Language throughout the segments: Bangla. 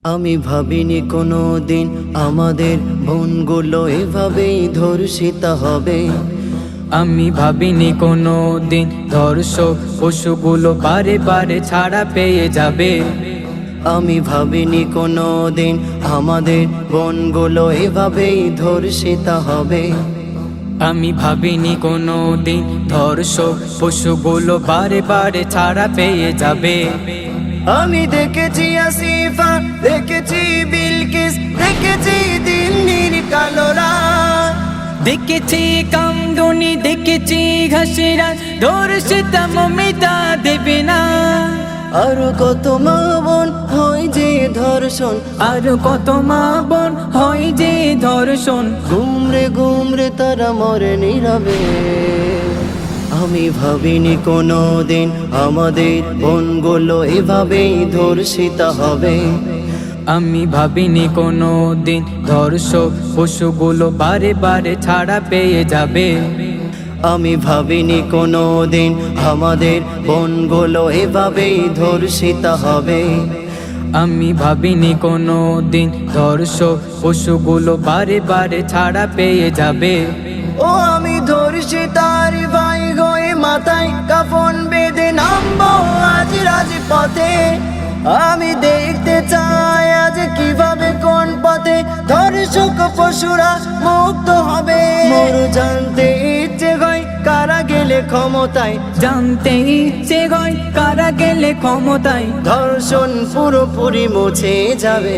আমি ভাবিনি কোনো দিন আমাদের বোনগুলো এভাবেই ধর্ষিত হবে। আমি ভাবিনি কোনো দিন ধর্ষক পশুগুলো বারে বারে ছাড়া পেয়ে যাবে। আমি ভাবিনি কোনো দিন আমাদের বোনগুলো এভাবেই ধর্ষিত হবে। আমি ভাবিনি কোনো দিন ধর্ষক পশুগুলো বারে বারে ছাড়া পেয়ে যাবে। আমি দেখেছি আসিফা, দেখেছি বিলকিস, দেখেছি দিল্লির কালোরা, দেখেছি কামদুনি, দেখেছি ঘাসিরা, ধর্ষিতা মমিতা দেবে না। আরো কত মা বোন হয় যে ধর্ষণ, আর কত মা বোন হয় যে ধর্ষণ, গুমরে গুমরে তারা মরে নীরবে। আমি ভাবিনি কোনো দিন আমাদের বোনগুলো এভাবেই ধর্ষিত হবে। আমি ভাবিনি কোনো দিন ধর্ষক পশুগুলো বারে বারে ছাড়া পেয়ে যাবে। আমি ভাবিনি কোনো দিন আমাদের বোনগুলো এভাবেই ধর্ষিত হবে। আমি ভাবিনি কোনো দিন ধর্ষক পশুগুলো বারে বারে ছাড়া পেয়ে যাবে। ও আমি ধর্ষিতার ভাই গয়ে মাথায় কাফন বেঁধে নামবো আজ রাজপথে। আমি দেখতে চাই আজ কিভাবে কোন পথে ধর্ষক পশুরা মুক্ত হবে। মোর জানতে ইচ্ছে হয় কারা গেলে ক্ষমতায়, জানতে ইচ্ছে হয় কারা গেলে ক্ষমতায়, ধর্ষণ পুরোপুরি মুছে যাবে।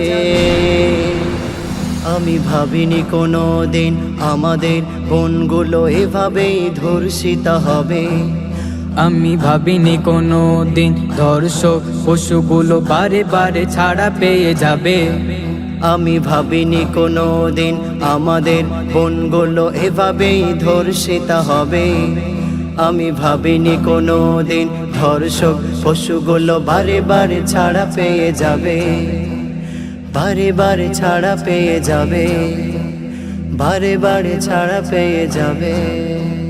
আমি ভাবিনি কোনো দিন আমাদের বোনগুলো এভাবেই ধর্ষিত হবে। আমি ভাবিনি কোনো দিন ধর্ষক পশুগুলো বারে বারে ছাড়া পেয়ে যাবে। আমি ভাবিনি কোনো দিন আমাদের বোনগুলো এভাবেই ধর্ষিত হবে। আমি ভাবিনি কোনো দিন ধর্ষক পশুগুলো বারে বারে ছাড়া পেয়ে যাবে। বারে বারে ছাড়া পেয়ে যাবে, বারে বারে ছাড়া পেয়ে যাবে।